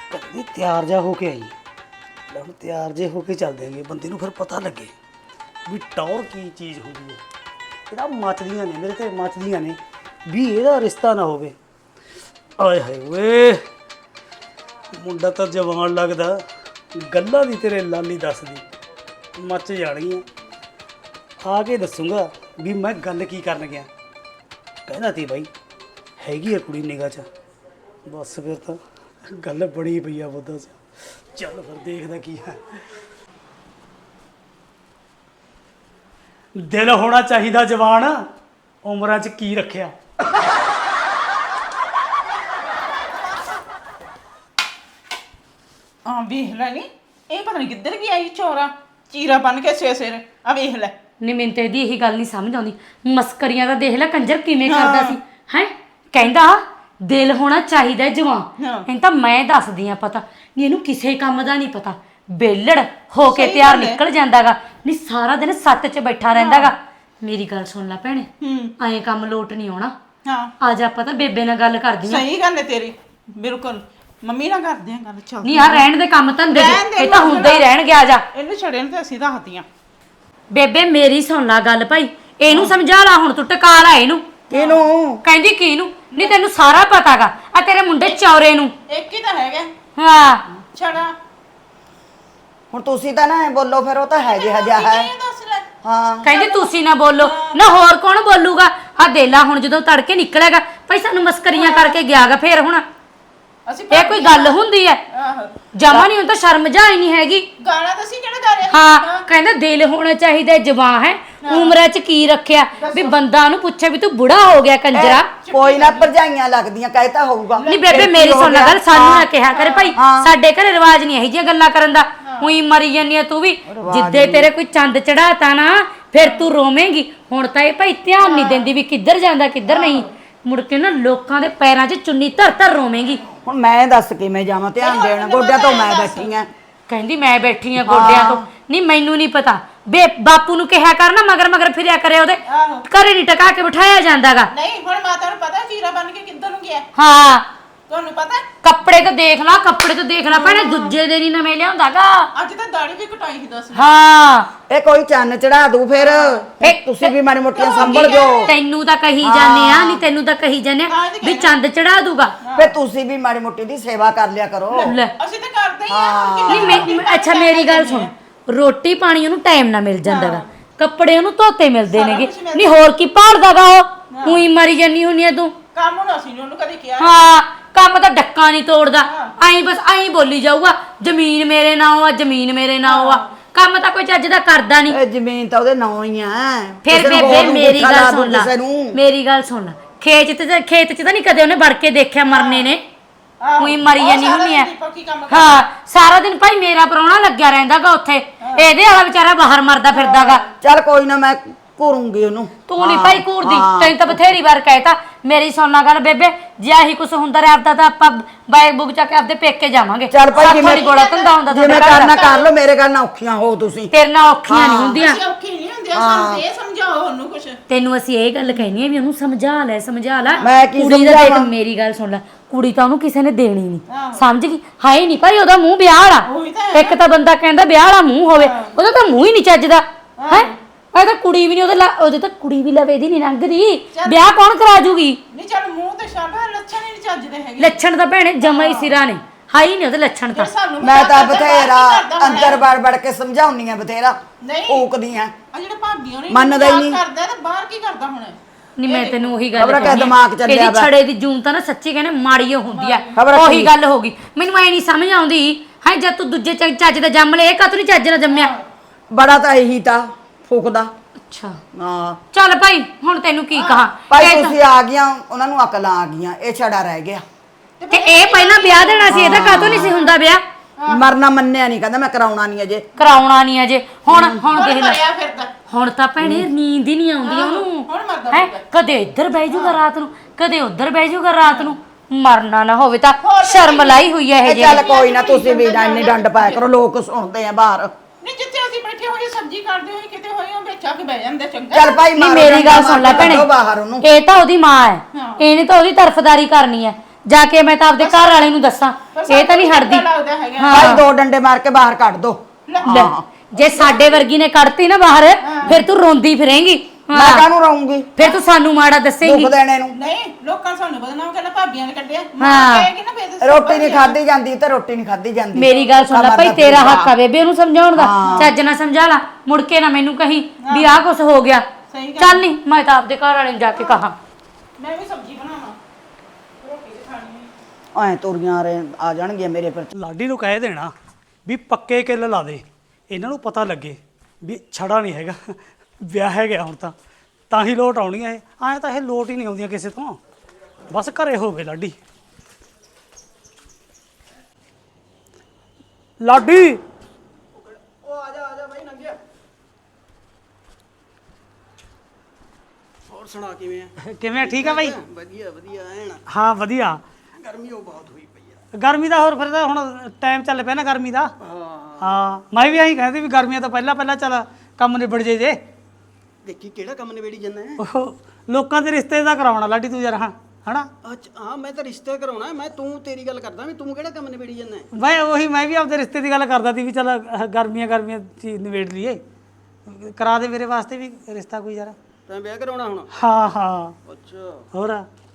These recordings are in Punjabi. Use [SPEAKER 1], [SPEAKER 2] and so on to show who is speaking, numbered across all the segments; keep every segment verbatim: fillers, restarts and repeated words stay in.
[SPEAKER 1] कभी तैयार जा होके आई ले हम तैयार जे होके चल देंगे बंदे नूं फिर पता लगे भी टौर की चीज़ होगी है ਇਹਦਾ ਮੱਚਦੀਆਂ ਨੇ ਮੇਰੇ ਤੇ ਮੱਚਦੀਆਂ ਨੇ ਵੀ ਇਹਦਾ ਰਿਸ਼ਤਾ ਨਾ ਹੋਵੇ ਆਏ ਹਾਏ ਓਏ ਮੁੰਡਾ ਤਾਂ ਜਵਾਨ ਲੱਗਦਾ ਗੱਲਾਂ ਦੀ ਤੇਰੇ ਲਾਲੀ ਦੱਸਦੀ ਮੱਚ ਜਾਣਗੀਆਂ ਆ ਕੇ ਦੱਸੂਗਾ ਵੀ ਮੈਂ ਗੱਲ ਕੀ ਕਰਨ ਗਿਆ ਕਹਿੰਦਾ ਤੀ ਬਾਈ ਹੈਗੀ ਆ ਕੁੜੀ ਨਿਗਾਹ 'ਚ ਬਸ ਫਿਰ ਤਾਂ ਗੱਲ ਬੜੀ ਪਈ ਆ ਬੁੱਧਾ 'ਚ ਚੱਲ ਫਿਰ ਦੇਖਦਾ ਕੀ ਹੈ ਦਿਲ ਹੋਣਾ ਚਾਹੀਦਾ ਜਵਾਨ ਉਮਰਾਂ 'ਚ ਕੀ ਰੱਖਿਆ
[SPEAKER 2] ਆ ਵੇਖ ਲੈ ਨੀ ਇਹ ਪਤਾ ਨਹੀਂ ਕਿੱਧਰ ਗਿਆ ਇਹ ਚੋਰਾ ਚੀਰਾ ਬਣ ਕੇ ਸਿਰ ਸਿਰ ਆ ਵੇਖ ਲੈ
[SPEAKER 3] ਨੀ ਮੈਨੂੰ ਤੇ ਇਹਦੀ ਇਹੀ ਗੱਲ ਨਹੀਂ ਸਮਝ ਆਉਂਦੀ ਮਸਕਰੀਆਂ ਦਾ ਦੇਖ ਲੈ ਕੰਜਰ ਕਿਵੇਂ ਕਰਦਾ ਸੀ ਹੈ ਕਹਿੰਦਾ ਦਿਲ ਹੋਣਾ ਚਾਹੀਦਾ ਜਵਾਨ ਇਹਨੂੰ ਤਾਂ ਮੈਂ ਦੱਸਦੀ ਆ ਪਤਾ ਨਹੀਂ ਇਹਨੂੰ ਕਿਸੇ ਕੰਮ ਦਾ ਨਹੀਂ ਪਤਾ ਬੇਲੜ ਹੋ ਕੇ ਤਿਆਰ ਨਿਕਲ ਜਾਂਦਾਗਾ ਨਹੀਂ ਸਾਰਾ ਦਿਨ ਸੱਤ 'ਚ ਬੈਠਾ ਰਹਿੰਦਾਗਾ ਮੇਰੀ ਗੱਲ ਸੁਣ ਲੈ ਭੈਣੇ ਐਂ ਕੰਮ ਲੋਟ ਨਹੀਂ ਆਉਣਾ
[SPEAKER 2] ਹਾਂ
[SPEAKER 3] ਆ ਜਾ ਆਪਾਂ ਤਾਂ ਬੇਬੇ ਨਾਲ ਗੱਲ ਕਰਦੀ ਆ
[SPEAKER 2] ਸਹੀ ਗੱਲ ਹੈ ਤੇਰੀ ਬਿਲਕੁਲ ਮੰਮੀ ਨਾਲ ਕਰਦੇ ਆ ਗੱਲ ਚੱਲ
[SPEAKER 3] ਨਹੀਂ ਆ ਰਹਿਣ ਦੇ ਕੰਮ ਧੰਦੇ ਇਹ ਤਾਂ ਹੁੰਦਾ ਹੀ ਰਹਿਣਗੇ ਆ ਜਾ
[SPEAKER 2] ਇਹਨੂੰ ਛੜੇ ਨੂੰ ਤੇ ਅਸੀਂ ਦੱਸਦੀਆਂ
[SPEAKER 3] ਬੇਬੇ ਮੇਰੀ ਸੁਣ ਲੈ ਗੱਲ ਭਾਈ ਇਹਨੂੰ ਸਮਝਾ ਲਾ ਹੁਣ ਤੂੰ ਟਕਾ ਲਾ ਇਹਨੂੰ
[SPEAKER 1] ਕਿਹਨੂੰ
[SPEAKER 3] ਕਹਿੰਦੀ ਕਿਹਨੂੰ ਨਹੀਂ ਤੈਨੂੰ ਸਾਰਾ ਪਤਾਗਾ ਆ ਤੇਰੇ ਮੁੰਡੇ ਚੌਰੇ ਨੂੰ
[SPEAKER 2] ਇੱਕ ਹੀ ਤਾਂ ਹੈਗਾ
[SPEAKER 3] ਹਾਂ
[SPEAKER 2] ਛੜਾ
[SPEAKER 4] ਹੁਣ ਤੁਸੀਂ ਤਾਂ ਨਾ ਬੋਲੋ ਫਿਰ ਉਹ ਤਾਂ ਹੈ ਜਿਹਾ ਜਿਹਾ ਹੈ
[SPEAKER 2] ਇਹ ਦੱਸ ਲੈ
[SPEAKER 4] ਹਾਂ
[SPEAKER 3] ਕਹਿੰਦੀ ਤੁਸੀਂ ਨਾ ਬੋਲੋ ਨਾ ਹੋਰ ਕੌਣ ਬੋਲੂਗਾ ਆ ਦੇਲਾ ਹੁਣ ਜਦੋਂ ਤੜਕੇ ਨਿਕਲੇਗਾ ਭਾਈ ਸਾਨੂੰ ਮਸਕਰੀਆਂ ਕਰਕੇ ਗਿਆਗਾ ਫੇਰ ਹੁਣ
[SPEAKER 2] ਅਸੀਂ
[SPEAKER 3] ਇਹ ਕੋਈ ਗੱਲ ਹੁੰਦੀ ਐ
[SPEAKER 2] ਆਹੋ
[SPEAKER 3] ਜਮਾ ਨਹੀਂ ਹੁਣ ਤਾਂ ਸ਼ਰਮ ਜਾ ਹੀ ਨਹੀਂ ਹੈਗੀ
[SPEAKER 2] ਗਾਣਾ ਤਾਂ ਅਸੀਂ ਕਿਹੜਾ ਗਾ ਰਹੇ
[SPEAKER 3] ਹਾਂ ਕਹਿੰਦਾ ਦਿਲ ਹੋਣਾ ਚਾਹੀਦਾ ਜਵਾਨ ਹੈ ਉਮਰਾਂ 'ਚ ਕੀ ਰੱਖਿਆ ਵੀ ਬੰਦਾ ਨੂੰ ਪੁੱਛੇ ਵੀ ਤੂੰ ਬੁੜਾ ਹੋ ਗਿਆ ਕੰਜਰਾ
[SPEAKER 4] ਕੋਈ ਨਾ ਭਰਜਾਈਆਂ ਲੱਗਦੀਆਂ ਕਹਿਤਾ ਹੋਊਗਾ
[SPEAKER 3] ਨਹੀਂ ਬੇਬੇ ਮੇਰੀ ਸੁਣ ਲੈ ਗੱਲ ਸਾਨੂੰ ਨਾ ਕਿਹਾ ਕਰੇ ਭਾਈ ਸਾਡੇ ਘਰੇ ਰਿਵਾਜ ਨਹੀਂ ਇਹੋ ਜਿਹੀਆਂ ਗੱਲਾਂ ਕਰਨ ਦਾ ਉਹੀ ਮਰੀ ਜਾਂਦੀ ਆ ਤੂੰ ਵੀ ਜਿੱਦੇ ਤੇਰੇ ਕੋਈ ਚੰਦ ਚੜਾਤਾ ਨਾ ਫਿਰ ਤੂੰ ਰੋਵੇਂਗੀ ਹੁਣ ਤਾਂ ਇਹ ਭਾਈ ਧਿਆਨ ਨਹੀਂ ਦਿੰਦੀ ਵੀ ਕਿੱਧਰ ਜਾਂਦਾ ਕਿੱਧਰ ਨਹੀਂ ਮੁੜ ਕੇ ਨਾ ਲੋਕਾਂ ਦੇ ਪੈਰਾਂ 'ਚ ਚੁੰਨੀ ਧਰ ਧਰ ਰੋਵੇਂਗੀ
[SPEAKER 4] ਹੁਣ ਮੈਂ ਦੱਸ ਕਿਵੇਂ ਜਾਵਾਂ ਧਿਆਨ ਦੇਣ ਗੋਡਿਆਂ ਤੋਂ ਮੈਂ ਬੈਠੀ ਆ
[SPEAKER 3] ਕਹਿੰਦੀ ਮੈਂ ਬੈਠੀ ਆ ਗੋਡਿਆਂ ਤੋਂ ਨਹੀਂ ਮੈਨੂੰ ਨਹੀਂ ਪਤਾ ਬੇ ਬਾਪੂ ਨੂੰ ਕਿਹਾ ਕਰ ਨਾ ਮਗਰ ਮਗਰ ਫਿਰਿਆ ਕਰੇ ਉਹਦੇ ਘਰੇ ਨਹੀਂ ਟਕਾ ਕੇ ਬਿਠਾਇਆ ਜਾਂਦਾਗਾ
[SPEAKER 2] ਨਹੀਂ ਹੁਣ ਮਾਤਾ ਨੂੰ ਪਤਾ ਚੀਰਾ ਬਣ ਕੇ ਕਿੱਧਰ ਨੂੰ ਗਿਆ
[SPEAKER 3] ਹਾਂ
[SPEAKER 2] ਤੁਹਾਨੂੰ ਪਤਾ
[SPEAKER 3] ਕੱਪੜੇ ਤਾਂ ਦੇਖ ਲਾ ਕੱਪੜੇ ਤਾਂ ਦੇਖ ਲਾ ਭੈਣੇ ਦੂਜੇ ਦਿਨ ਹੀ ਨਵੇਂ ਲਿਆਉਂਦਾਗਾ
[SPEAKER 2] ਅੱਜ ਤਾਂ ਦਾੜੀ ਵੀ ਕਟਾਈ ਸੀ ਦੱਸ
[SPEAKER 3] ਹਾਂ
[SPEAKER 4] ਇਹ ਕੋਈ ਚੰਨ ਚੜਾ ਦੂ ਫਿਰ ਤੁਸੀਂ ਵੀ ਮਾੜੀ ਮੋਟੀਆਂ ਸੰਭਲ ਜਾਓ
[SPEAKER 3] ਤੈਨੂੰ ਤਾਂ ਕਹੀ ਜਾਂਦੇ ਆ ਨਹੀਂ ਤੈਨੂੰ ਤਾਂ ਕਹੀ ਜਾਂਦੇ ਆ ਵੀ ਚੰਦ ਚੜਾ ਦੂਗਾ
[SPEAKER 4] ਫੇ ਤੁਸੀਂ ਵੀ ਮਾੜੀ ਮੋਟੀ ਦੀ ਸੇਵਾ ਕਰ ਲਿਆ ਕਰੋ
[SPEAKER 3] ਲੈ
[SPEAKER 2] ਅਸੀਂ ਤਾਂ ਕਰਦੇ ਹੀ ਆ
[SPEAKER 3] ਨਹੀਂ ਮੈਂ ਅੱਛਾ ਮੇਰੀ ਗੱਲ ਸੁਣ ਰੋਟੀ ਪਾਣੀ ਉਹਨੂੰ ਟਾਈਮ ਨਾਲ ਮਿਲ ਜਾਂਦਾਗਾ ਕੱਪੜੇ ਉਹਨੂੰ ਧੋਤੇ ਮਿਲਦੇ ਨੇਗੇ ਨਹੀਂ ਹੋਰ ਕੀ ਭਾਲਦਾਗਾ ਉਹ ਉਹੀ ਮਰੀ ਜਾਨੀ ਹੁੰਨੀ ਆ ਤੂੰ
[SPEAKER 2] ਕੰਮ ਹੁਣ ਅਸੀਂ ਉਹਨੂੰ ਕਦੇ ਕਿਹਾ
[SPEAKER 3] ਹਾਂ ਕੰਮ ਤਾਂ ਡੱਕਾ ਨਹੀਂ ਤੋੜਦਾ ਐਂ ਬਸ ਐਂ ਬੋਲੀ ਜਾਊਗਾ ਜ਼ਮੀਨ ਮੇਰੇ ਨਾਂ ਆ ਜ਼ਮੀਨ ਮੇਰੇ ਨਾਂ ਆ ਕੰਮ ਤਾਂ ਕੋਈ ਚੱਜ ਦਾ ਕਰਦਾ ਨਹੀਂ
[SPEAKER 4] ਇਹ ਜ਼ਮੀਨ ਤਾਂ ਉਹਦੇ ਨਾਂ ਹੀ ਆ
[SPEAKER 3] ਫਿਰ ਬੇਬੇ ਮੇਰੀ ਗੱਲ ਸੁਣ ਲੈ ਮੇਰੀ ਗੱਲ ਸੁਣ ਲੈ ਖੇਤ ਚ ਖੇਤ ਚ ਤਾਂ ਨਹੀਂ ਕਦੇ ਉਹਨੇ ਵੜ ਕੇ ਦੇਖਿਆ ਮਰਨੇ ਨੇ ਉਹੀ ਮਰੀ ਜਾਨੀ ਹੁੰਨੀ ਆ ਹਾਂ ਸਾਰਾ ਦਿਨ ਭਾਈ ਮੇਰਾ ਪ੍ਰਾਹੁਣਾ ਲੱਗਿਆ ਰਹਿੰਦਾਗਾ ਉੱਥੇ ਇਹਦੇ ਵਾਲਾ ਵਿਚਾਰਾ ਬਾਹਰ ਮਰਦਾ ਫਿਰਦਾਗਾ
[SPEAKER 4] ਚੱਲ ਕੋਈ ਨਾ ਮੈਂ ਘੂਰੂੰਗੀ ਉਹਨੂੰ
[SPEAKER 3] ਤੂੰ ਨਹੀਂ ਭਾਈ ਘੂਰਦੀ ਤੈਨੂੰ ਤਾਂ ਬਥੇਰੀ ਵਾਰ ਕਹਿਤਾ ਮੇਰੀ ਸੋਨਾ ਗੱਲ ਬੇਬੇ ਜੇ ਆਹੀ ਕੁਛ ਹੁੰਦਾ ਰਿਹਾ ਆਪਦਾ ਤਾਂ ਆਪਾਂ ਬਾਈਕ ਬੁੱਕ ਚੱਕ ਕੇ ਆਪਦੇ ਪੇਕੇ ਜਾਵਾਂਗੇ
[SPEAKER 4] ਚੱਲ ਭਾਈ ਜਿਵੇਂ
[SPEAKER 3] ਗੋਲਾ ਧੰਦਾ ਹੁੰਦਾ
[SPEAKER 4] ਜਿਵੇਂ ਕਰਨਾ ਕਰ ਲਓ ਮੇਰੇ ਗੱਲ ਨਾ ਔਖੀਆਂ ਹੋ ਤੁਸੀਂ
[SPEAKER 3] ਤੇਰੇ ਨਾਲ ਔਖੀਆਂ ਨਹੀਂ ਹੁੰਦੀਆਂ
[SPEAKER 2] ਅਸੀਂ ਔਖੀ ਨਹੀਂ ਹੁੰਦੀਆਂ ਸਾਨੂੰ ਇਹ ਸਮਝਾਓ ਉਹਨੂੰ ਕੁਛ
[SPEAKER 3] ਤੈਨੂੰ ਅਸੀਂ ਇਹ ਗੱਲ ਕਹਿਨੀ ਆ ਵੀ ਉਹਨੂੰ ਸਮਝਾ ਲੈ ਸਮਝਾ ਲੈ
[SPEAKER 4] ਮੈਂ ਕੀ
[SPEAKER 3] ਕੁੜੀ ਦਾ ਦੇਖ ਮੇਰੀ ਗੱਲ ਸੁਣ ਲੈ ਕੁੜੀ ਤਾਂ ਉਹਨੂੰ ਕਿਸੇ ਨੇ ਦੇਣੀ ਨਹੀਂ ਸਮਝ ਗਈ ਹਾਏ ਨਹੀਂ ਭਾਈ ਉਹਦਾ ਮੂੰਹ ਵਿਆਹ ਵਾਲਾ ਇੱਕ ਤਾਂ ਬੰਦਾ ਕਹਿੰਦਾ ਵਿਆਹ ਵਾਲਾ ਮੂੰਹ ਹੋਵੇ ਉਹਦਾ ਤਾਂ ਮੂੰਹ ਹੀ ਨਹੀਂ ਚੱਜਦਾ ਹੈ ਇਹ ਤਾਂ ਕੁੜੀ ਵੀ ਨਹੀਂ ਉਹਦੇ ਉਹਦੇ ਤਾਂ ਕੁੜੀ ਵੀ ਲਵੇ ਦੀ ਨਹੀਂ ਲੰਘਦੀ ਵਿਆਹ ਕੌਣ ਕਰਾ ਜੂਗੀ
[SPEAKER 2] ਨਹੀਂ ਚੱਲ ਮੂੰਹ ਤੇ ਛੱਡ ਲੱਛਣ ਹੀ ਨਹੀਂ ਚੱਜਦੇ ਹੈਗੇ
[SPEAKER 3] ਲੱਛਣ ਤਾਂ ਭੈਣੇ ਜਮਾ ਹੀ ਸਿਰਾ ਨੇ ਹਾਈ ਨਹੀਂ ਉਹਦੇ ਲੱਛਣ ਤਾਂ
[SPEAKER 4] ਮੈਂ ਤਾਂ ਬਥੇਰਾ ਅੰਦਰ ਵੜ ਵੜ ਕੇ ਸਮਝਾਉਣੀ ਆ ਬਥੇਰਾ ਊਕਦੀ ਆ
[SPEAKER 2] ਆ ਜਿਹੜੇ ਭਾਬੀਆਂ ਨੇ
[SPEAKER 4] ਮੰਨਦਾ ਹੀ ਨਹੀਂ
[SPEAKER 2] ਕਰਦਾ ਤਾਂ ਬਾਹਰ ਕੀ ਕਰਦਾ ਹੁਣ
[SPEAKER 3] ਨਹੀਂ ਮੈਂ ਤੈਨੂੰ ਉਹੀ ਗੱਲ
[SPEAKER 4] ਖਬਰ ਕਿ ਦਿਮਾਗ ਚੱਲਿਆ
[SPEAKER 3] ਇਹਦੀ ਛੜੇ ਦੀ ਜੂਨ ਤਾਂ ਨਾ ਸੱਚੀ ਕਹਿੰਦੇ ਮਾੜੀ ਹੁੰਦੀ ਆ ਉਹੀ ਗੱਲ ਹੋ ਗਈ ਮੈਨੂੰ ਐ ਨਹੀਂ ਸਮਝ ਆਉਂਦੀ ਹੈ ਜਦ ਤੂੰ ਦੂਜੇ ਚੱਜ ਦਾ ਜੰਮ ਲੈ ਇਹ ਕਾਤੋਂ ਨਹੀਂ ਚੱਜ ਨਾਲ ਜੰਮਿਆ
[SPEAKER 4] ਬੜਾ ਤਾਂ ਇਹੀ ਤਾਂ ਫੂਕਦਾ
[SPEAKER 3] ਅੱਛਾ
[SPEAKER 4] ਹਾਂ
[SPEAKER 3] ਚੱਲ ਭਾਈ ਹੁਣ ਤੈਨੂੰ ਕੀ ਕਹਾਂ
[SPEAKER 4] ਭਾਈ ਤੁਸੀਂ ਆ ਗਈਆਂ ਉਹਨਾਂ ਨੂੰ ਅਕਲ ਆ ਗਈਆਂ ਇਹ ਛੜਾ ਰਹਿ ਗਿਆ
[SPEAKER 3] ਤੇ ਇਹ ਪਹਿਲਾਂ ਵਿਆਹ ਦੇਣਾ ਸੀ ਇਹਦਾ ਕਾਤੋਂ ਨਹੀਂ ਸੀ ਹੁੰਦਾ ਵਿਆਹ
[SPEAKER 4] ਮਰਨਾ ਮੰਨਿਆ ਨਹੀਂ ਕਹਿੰਦਾ ਮੈਂ ਕਰਾਉਣਾ ਨਹੀਂ ਅਜੇ
[SPEAKER 3] ਕਰਾਉਣਾ ਨਹੀਂ ਅਜੇ ਹੁਣ ਹੁਣ ਦੇਖ ਲੈ
[SPEAKER 2] ਫਿਰਦਾ
[SPEAKER 3] ਹੁਣ ਤਾਂ ਭੈਣੇ ਨੀਂਦ ਹੀ ਨਹੀਂ ਆਉਂਦੀ ਉਹਨੂੰ ਹੈ ਕਦੇ ਇੱਧਰ ਬਹਿ ਜਾਊਗਾ ਰਾਤ ਨੂੰ ਕਦੇ ਉੱਧਰ ਬਹਿ ਜਾਊਗਾ ਰਾਤ ਨੂੰ ਮਰਨਾ ਨਾ ਹੋਵੇ ਤਾਂ ਸ਼ਰਮ ਲਾਈ ਹੋਈ ਹੈ ਇਹ ਜੀ
[SPEAKER 4] ਚੱਲ ਕੋਈ ਨਾ ਤੁਸੀਂ ਵੀ ਇੰਨੀ ਡੰਡ ਪਾਇਆ ਕਰੋ ਲੋਕ ਸੁਣਦੇ ਆ ਬਾਹਰ
[SPEAKER 2] ਨਹੀਂ ਜਿੱਥੇ ਅਸੀਂ ਬੈਠੇ ਹੋਈਏ ਸਬਜ਼ੀ ਕੱਢਦੇ ਹੋਏ ਕਿਤੇ ਹੋਏ ਉਹ ਵਿੱਚ ਆ ਕੇ ਬਹਿ ਜਾਂਦੇ ਚੰਗਾ
[SPEAKER 4] ਚੱਲ ਭਾਈ
[SPEAKER 3] ਨਹੀਂ ਮੇਰੀ ਗੱਲ ਸੁਣ ਲੈ ਭੈਣੇ
[SPEAKER 4] ਬਾਹਰ ਉਹਨੂੰ
[SPEAKER 3] ਇਹ ਤਾਂ ਉਹਦੀ ਮਾਂ ਹੈ ਇਹਨੇ ਤਾਂ ਉਹਦੀ ਤਰਫਦਾਰੀ ਕਰਨੀ ਹੈ ਜਾ ਕੇ ਮੈਂ ਤਾਂ ਆਪਦੇ ਘਰ ਵਾਲੇ ਨੂੰ ਦੱਸਾਂ ਇਹ ਤਾਂ ਨਹੀਂ ਹਟਦੀ
[SPEAKER 2] ਲੱਗਦਾ ਹੈਗਾ
[SPEAKER 4] ਭਾਈ ਦੋ ਡੰਡੇ ਮਾਰ ਕੇ ਬਾਹਰ ਕੱਢ ਦੋ
[SPEAKER 3] ਲੈ, ਜੇ ਸਾਡੇ ਵਰਗੀ ਨੇ ਕੱਢਤੀ ਨਾ ਬਾਹਰ ਫਿਰ ਤੂੰ ਰੋਂਦੀ ਫਿਰੇਂਗੀ
[SPEAKER 4] ਮੈਂ ਕਾਹਨੂੰ ਰਹੂੰਗੀ
[SPEAKER 3] ਫਿਰ ਤੂੰ ਸਾਨੂੰ ਮਾੜਾ ਦੱਸੇਂਗੀ
[SPEAKER 4] ਦੁੱਖ ਦੇਣੇ ਨੂੰ
[SPEAKER 2] ਨਹੀਂ ਲੋਕਾਂ ਸਾਨੂੰ ਬਦਨਾਮ ਕਰਨਾ ਭਾਬੀਆਂ ਨੇ ਕੱਢਿਆ
[SPEAKER 3] ਹਾਂ।
[SPEAKER 2] ਕਹੇਗੀ ਨਾ ਬੇਇੱਜ਼ਤੀ
[SPEAKER 4] ਰੋਟੀ ਨਹੀਂ ਖਾਦੀ ਜਾਂਦੀ ਤੇ ਰੋਟੀ ਨਹੀਂ ਖਾਦੀ ਜਾਂਦੀ
[SPEAKER 3] ਮੇਰੀ ਗੱਲ ਸੁਣ ਲੈ
[SPEAKER 4] ਕਮਰ
[SPEAKER 3] ਭਾਈ
[SPEAKER 4] ਦਾ
[SPEAKER 3] ਤੇਰਾ
[SPEAKER 4] ਪੀੜਾ।
[SPEAKER 3] ਹੱਕ ਆ ਬੇਬੇ ਉਹਨੂੰ ਸਮਝਾਉਣ ਦਾ ਚੱਜ ਨਾਲ ਸਮਝਾ ਲਾ ਮੁੜ ਕੇ ਨਾ ਮੈਨੂੰ ਕਹੀਂ ਵੀ ਆਹ ਕੁਛ ਹੋ ਗਿਆ
[SPEAKER 2] ਸਹੀ ਗੱਲ।
[SPEAKER 3] ਚੱਲ ਨਹੀਂ ਮੈਂ ਤਾਂ ਆਪਦੇ ਘਰ ਵਾਲੇ ਨੂੰ ਜਾ ਕੇ ਕਹਾਂ
[SPEAKER 2] ਮੈਂ ਵੀ ਸਬਜ਼ੀ ਬਣਾਵਾਂ ਰੋਟੀ ਤੇ ਖਾਣੀ ਹੈ
[SPEAKER 4] ਐ ਤੁਰੀਆਂ ਰੇ ਆ ਜਾਣਗੀਆਂ ਮੇਰੇ ਪਰ
[SPEAKER 1] ਲਾਡੀ ਨੂੰ ਕਹਿ ਦੇਣਾ ਵੀ ਪੱਕੇ ਕਿੱਲ ਲਾ ਦੇ ਇਹਨਾਂ ਨੂੰ ਪਤਾ ਲੱਗੇ ਵੀ ਛੜਾ ਨਹੀਂ ਹੈਗਾ ਵਿਆਹ ਹੈ ਗਿਆ ਹੁਣ ਤਾਂ ਤਾਂ ਹੀ ਲੋਟ ਆਉਣੀਆਂ ਇਹ ਐਂ ਤਾਂ ਇਹ ਲੋਟ ਹੀ ਨਹੀਂ ਆਉਂਦੀਆਂ ਕਿਸੇ ਤੋਂ ਬਸ ਘਰੇ ਹੋਵੇ ਲਾਡੀ ਲਾਡੀ
[SPEAKER 5] ਉਹ ਆ ਜਾ ਆ ਜਾ ਬਾਈ ਨੰਗਿਆ ਹੋਰ ਸੁਣਾ ਕਿਵੇਂ ਆ
[SPEAKER 1] ਕਿਵੇਂ ਆ? ਠੀਕ ਆ ਬਾਈ
[SPEAKER 5] ਵਧੀਆ ਵਧੀਆ ਐਨ
[SPEAKER 1] ਹਾਂ ਵਧੀਆ
[SPEAKER 5] ਗਰਮੀ ਉਹ ਬਹੁਤ ਹੋਈ ਪਈ ਆ
[SPEAKER 1] ਗਰਮੀ ਦਾ ਹੋਰ ਫਿਰ ਤਾਂ ਹੁਣ ਟਾਈਮ ਚੱਲ ਪਿਆ ਨਾ ਗਰਮੀ ਦਾ
[SPEAKER 5] ਹਾਂ
[SPEAKER 1] ਹਾਂ ਮੈਂ ਵੀ ਐਂ ਕਹਿੰਦੀ ਵੀ ਗਰਮੀਆਂ ਤੋਂ ਪਹਿਲਾਂ ਪਹਿਲਾਂ ਚੱਲ ਕੰਮ ਨਿਬੜ ਜੇ ਜੇ
[SPEAKER 5] ਦੇਖੀ ਕਿਹੜਾ ਕੰਮ ਨਿਬੇੜੀ ਜਾਂਦਾ ਹੈ
[SPEAKER 1] ਉਹ ਲੋਕਾਂ ਦੇ ਰਿਸ਼ਤੇ ਦਾ ਕਰਾਉਣਾ ਲਾਡੀ ਤੂੰ ਯਾਰ ਹਾਂ ਹਨਾ
[SPEAKER 5] ਅੱਛਾ ਹਾਂ ਮੈਂ ਤਾਂ ਰਿਸ਼ਤੇ ਕਰਾਉਣਾ ਮੈਂ ਤੂੰ ਤੇਰੀ ਗੱਲ ਕਰਦਾ ਵੀ ਤੂੰ ਕਿਹੜਾ ਕੰਮ ਨਿਬੇੜੀ ਜਾਂਦਾ ਹੈ?
[SPEAKER 1] ਮੈਂ ਉਹੀ ਮੈਂ ਵੀ ਆਪਦੇ ਰਿਸ਼ਤੇ ਦੀ ਗੱਲ ਕਰਦਾ ਸੀ ਵੀ ਚੱਲ ਅਹ ਗਰਮੀਆਂ ਗਰਮੀਆਂ ਚੀਜ਼ ਨਿਬੇੜ ਲਈਏ ਕਰਾ ਦੇ ਮੇਰੇ ਵਾਸਤੇ ਵੀ ਰਿਸ਼ਤਾ ਕੋਈ ਯਾਰ
[SPEAKER 5] ਤੈਂ ਵਿਆਹ ਕਰਾਉਣਾ ਹੁਣ
[SPEAKER 1] ਹਾਂ ਹਾਂ
[SPEAKER 5] ਅੱਛਾ
[SPEAKER 1] ਹੋਰ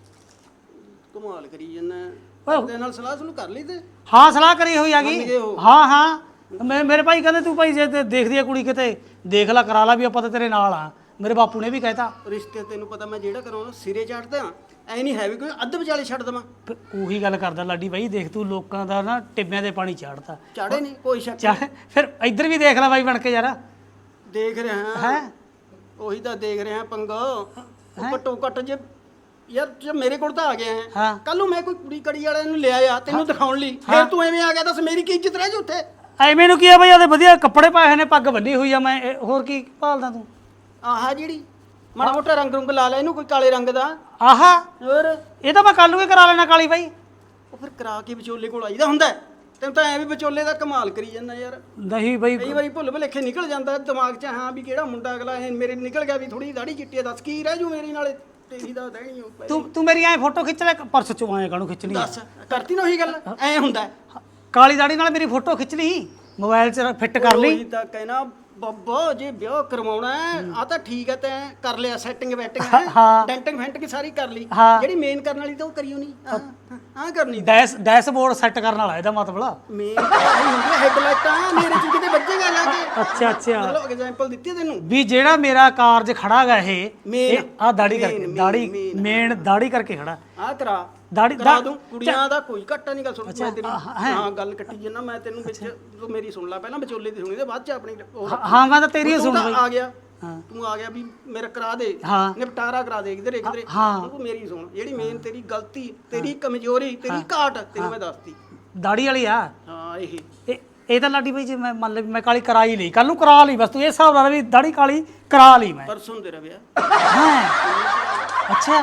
[SPEAKER 5] ਕਮਾਲ ਕਰੀ ਜਾਂਦਾ
[SPEAKER 1] ਓਏ।
[SPEAKER 5] ਤੇਰੇ ਨਾਲ ਸਲਾਹ ਸੁਣੂ ਕਰ ਲਈ ਤੇ
[SPEAKER 1] ਹਾਂ ਸਲਾਹ ਕਰੀ ਹੋਈ ਆ
[SPEAKER 5] ਮੰਨ
[SPEAKER 1] ਗਈ
[SPEAKER 5] ਗਏ ਉਹ।
[SPEAKER 1] ਹਾਂ ਹਾਂ ਮੈਂ ਮੇਰੇ ਭਾਈ ਕਹਿੰਦੇ ਤੂੰ ਭਾਈ ਜੇ ਤੇ ਦੇਖਦੀ ਆ ਕੁੜੀ ਕਿਤੇ ਦੇਖ ਲੈ ਕਰਾ ਲਾ ਵੀ ਆਪਾਂ ਤਾਂ ਤੇਰੇ ਨਾਲ ਆ ਮੇਰੇ ਬਾਪੂ ਨੇ ਵੀ ਕਹਿਤਾ
[SPEAKER 5] ਰਿਸ਼ਤੇ ਤੈਨੂੰ ਪਤਾ ਮੈਂ ਜਿਹੜਾ ਕਰਾਉਣਾ ਸਿਰੇ ਚੜਦਾ ਐ ਨਹੀਂ ਹੈ ਵੀ ਕੋਈ ਅੱਧ ਵਿਚਾਲੇ ਛੱਡ ਦਵਾਂ
[SPEAKER 1] ਫਿਰ ਉਹੀ ਗੱਲ ਕਰਦਾ ਲਾਡੀ ਬਾਈ ਦੇਖ ਤੂੰ ਲੋਕਾਂ ਦਾ ਨਾ ਟਿੱਬਿਆਂ ਦੇ ਪਾਣੀ ਚਾੜਦਾ
[SPEAKER 5] ਚਾੜੇ ਨਹੀਂ ਕੋਈ ਸ਼ੱਕ
[SPEAKER 1] ਚੱਲ ਫਿਰ ਇੱਧਰ ਵੀ ਦੇਖ ਲੈ ਬਾਈ ਬਣ ਕੇ ਯਾਰ
[SPEAKER 5] ਦੇਖ ਰਿਹਾ
[SPEAKER 1] ਹੈ
[SPEAKER 5] ਉਹੀ ਤਾਂ ਦੇਖ ਰਿਹਾ ਪੰਗਾ ਉਹ ਘੱਟੋ ਘੱਟ ਜੇ ਯਾਰ ਜੇ ਮੇਰੇ ਕੋਲ ਤਾਂ ਆ ਗਿਆ ਹੈ
[SPEAKER 1] ਹਾਂ।
[SPEAKER 5] ਕੱਲ ਨੂੰ ਮੈਂ ਕੋਈ ਕੁੜੀ ਕੜੀ ਵਾਲਿਆਂ ਨੂੰ ਲਿਆ ਆ ਤੈਨੂੰ ਦਿਖਾਉਣ ਲਈ ਫਿਰ ਤੂੰ ਐਵੇਂ ਆ ਗਿਆ ਦੱਸ ਮੇਰੀ ਕੀ ਇੱਜ਼ਤ ਰਹਿ ਜੂ ਉੱਥੇ
[SPEAKER 1] ਐਵੇਂ ਨੂੰ ਕੀ ਆ ਬਈ ਉਹਦੇ ਵਧੀਆ ਕੱਪੜੇ ਪਾਏ ਹੋਏ ਨੇ ਪੱਗ ਬੰਨੀ ਹੋਈ ਆ ਮੈਂ ਇਹ ਹੋਰ ਕੀ ਭਾਲਦਾ ਤੂੰ
[SPEAKER 5] ਆਹ ਜਿਹੜੀ ਮਾੜਾ ਮੋਟਾ ਰੰਗ ਰੁੰਗ ਲਾ ਲੈ ਇਹਨੂੰ ਕੋਈ ਕਾਲੇ ਰੰਗ ਦਾ
[SPEAKER 1] ਆਹਾ
[SPEAKER 5] ਹੋਰ
[SPEAKER 1] ਇਹ ਤਾਂ ਮੈਂ ਕੱਲ ਨੂੰ ਹੀ ਕਰਾ ਲੈਣਾ ਕਾਲੀ ਬਾਈ
[SPEAKER 5] ਉਹ ਫਿਰ ਕਰਾ ਕੇ ਵਿਚੋਲੇ ਕੋਲ ਆਈਦਾ ਹੁੰਦਾ ਹੈ। ਤੈਨੂੰ ਤਾਂ ਐ ਵੀ ਵਿਚੋਲੇ ਦਾ ਕਮਾਲ ਕਰੀ ਜਾਂਦਾ ਯਾਰ
[SPEAKER 1] ਨਹੀਂ ਬਾਈ
[SPEAKER 5] ਕਈ ਵਾਰੀ ਭੁੱਲ ਭੁਲੇਖੇ ਨਿਕਲ ਜਾਂਦਾ ਦਿਮਾਗ 'ਚ ਹਾਂ ਵੀ ਕਿਹੜਾ ਮੁੰਡਾ ਅਗਲਾ ਇਹ ਮੇਰੇ ਨਿਕਲ ਗਿਆ ਵੀ ਥੋੜੀ ਦਾੜੀ ਚਿੱਟੀ ਆ, ਦੱਸ ਕੀ ਰਹਿ ਜੂ ਮੇਰੀ ਨਾਲੇ ਤੇਰੀ ਦਾ ਰਹਿਣੀ ਉਹ ਪਈ।
[SPEAKER 1] ਤੂੰ ਤੂੰ ਮੇਰੀ ਐ ਫੋਟੋ ਖਿੱਚ ਲੈ ਪਰਸ ਚੋਂ ਆਏ ਕਾਹਨੂੰ ਖਿੱਚਣੀ ਆ?
[SPEAKER 5] ਦੱਸ ਕਰਤੀ ਨਾ ਉਹੀ ਗੱਲ ਐ ਹੁੰਦਾ ਹੈ।
[SPEAKER 1] ਕਾਲੀ ਦਾੜੀ ਨਾਲ ਮੇਰੀ ਫੋਟੋ ਖਿੱਚ ਲਈ ਮੋਬਾਈਲ 'ਚ ਫਿੱਟ ਕਰ ਲਈ
[SPEAKER 5] ਉਹੀ ਤਾਂ ਕਹਿਣਾ ਬੱਬਾ ਜੇ ਵਿਆਹ ਕਰਵਾਉਣਾ ਆ ਤਾਂ ਠੀਕ ਹੈ ਤੈਂ ਕਰ ਲਿਆ ਸੈਟਿੰਗ ਵੈਟਿੰਗ
[SPEAKER 1] ਹਾਂ।
[SPEAKER 5] ਡੈਂਟਿੰਗ ਫੈਂਟਿੰਗ ਸਾਰੀ ਕਰ ਲਈ
[SPEAKER 1] ਹਾਂ।
[SPEAKER 5] ਜਿਹੜੀ ਮੇਨ ਕਰਨ ਵਾਲੀ ਤਾਂ ਉਹ ਕਰਿਓ ਨਹੀਂ ਹਾਂ ਹਾਂ ਕਰਨੀ
[SPEAKER 1] ਡੈਸ਼ ਡੈਸ਼ਬੋਰਡ ਸੈੱਟ ਕਰਨ ਵਾਲਾ ਇਹਦਾ ਮਤਲਬ
[SPEAKER 5] ਮੇਨ ਹੁੰਦੀ ਹੈਡਲਾਈਟਾਂ ਮੇਰੇ ਚ ਕਿਤੇ ਵੱਜੇਗਾ ਜਾ ਕੇ
[SPEAKER 1] ਅੱਛਾ ਅੱਛਾ
[SPEAKER 5] ਮਤਲਬ ਐਗਜ਼ਾਮਪਲ ਦਿੱਤੀ ਹੈ ਤੈਨੂੰ
[SPEAKER 1] ਵੀ ਜਿਹੜਾ ਮੇਰਾ ਕਾਰਜ ਖੜਾ ਗਾ ਇਹ
[SPEAKER 5] Main,
[SPEAKER 1] ਆ ਦਾੜੀ
[SPEAKER 5] main,
[SPEAKER 1] ਕਰਕੇ
[SPEAKER 5] main,
[SPEAKER 1] ਦਾੜੀ
[SPEAKER 5] main,
[SPEAKER 1] ਮੇਨ ਦਾੜੀ ਕਰਕੇ ਖੜਾ
[SPEAKER 5] ਆ ਕਰਾ
[SPEAKER 1] ਦਾੜੀ
[SPEAKER 5] ਕਰਾ
[SPEAKER 1] ਦਾ-
[SPEAKER 5] ਦੂੰ ਕੁੜੀਆਂ ਦਾ ਕੋਈ ਘੱਟਾ ਨਹੀਂ ਗੱਲ ਸੁਣ ਮੈਂ ਤੇਰੀ
[SPEAKER 1] ਆਹ, ਹੈਂ।
[SPEAKER 5] ਹਾਂ ਗੱਲ ਕੱਟੀ ਜੰਨਾ ਮੈਂ ਤੈਨੂੰ ਵਿੱਚ ਤੂੰ ਮੇਰੀ ਸੁਣ ਲੈ ਪਹਿਲਾਂ ਵਿਚੋਲੇ ਦੀ ਸੁਣੀ ਤੇ ਬਾਅਦ ਚ ਆਪਣੀ ਉਹ
[SPEAKER 1] ਹਾਂ- ਹਾਂ ਮੈਂ ਤਾਂ ਤੇਰੀ ਓ
[SPEAKER 5] ਤੂੰ
[SPEAKER 1] ਸੁਣ
[SPEAKER 5] ਤਾਂ
[SPEAKER 1] ਬਈ
[SPEAKER 5] ਆ ਗਿਆ
[SPEAKER 1] ਹਾਂ।
[SPEAKER 5] ਤੂੰ ਆ ਗਿਆ ਵੀ ਮੇਰਾ ਕਰਾ ਦੇ
[SPEAKER 1] ਹਾਂ।
[SPEAKER 5] ਨਿਪਟਾਰਾ ਕਰਾ ਦੇ ਕਿਧਰੇ ਕਿਧਰੇ
[SPEAKER 1] ਹਾਂ।
[SPEAKER 5] ਤੂੰ ਮੇਰੀ ਸੁਣ ਜਿਹੜੀ ਮੇਨ ਤੇਰੀ ਗਲਤੀ ਤੇਰੀ ਕਮਜ਼ੋਰੀ ਤੇਰੀ ਘਾਟ ਤੈਨੂੰ ਮੈਂ ਦੱਸਤੀ
[SPEAKER 1] ਦਾੜੀ ਵਾਲੀ ਆ
[SPEAKER 5] ਹਾਂ ਇਹ
[SPEAKER 1] ਇਹ ਇਹ ਤਾਂ ਲਾਡੀ ਬਾਈ ਜੇ ਮੈਂ ਮੰਨ ਲੈ ਵੀ ਮੈਂ ਕਾਲੀ ਕਰਾ ਹੀ ਲਈ ਕੱਲ ਨੂੰ ਕਰਾ ਲਈ ਬਸ ਤੂੰ ਇਹ ਹਿਸਾਬ ਨਾਲ ਵੀ ਦਾੜੀ ਕਾਲੀ ਕਰਾ ਲਈ ਮੈਂ
[SPEAKER 5] ਪਰਸੋਂ ਤੇਰਾ ਵਿਆਹ
[SPEAKER 1] ਹਾਂ ਅੱਛਾ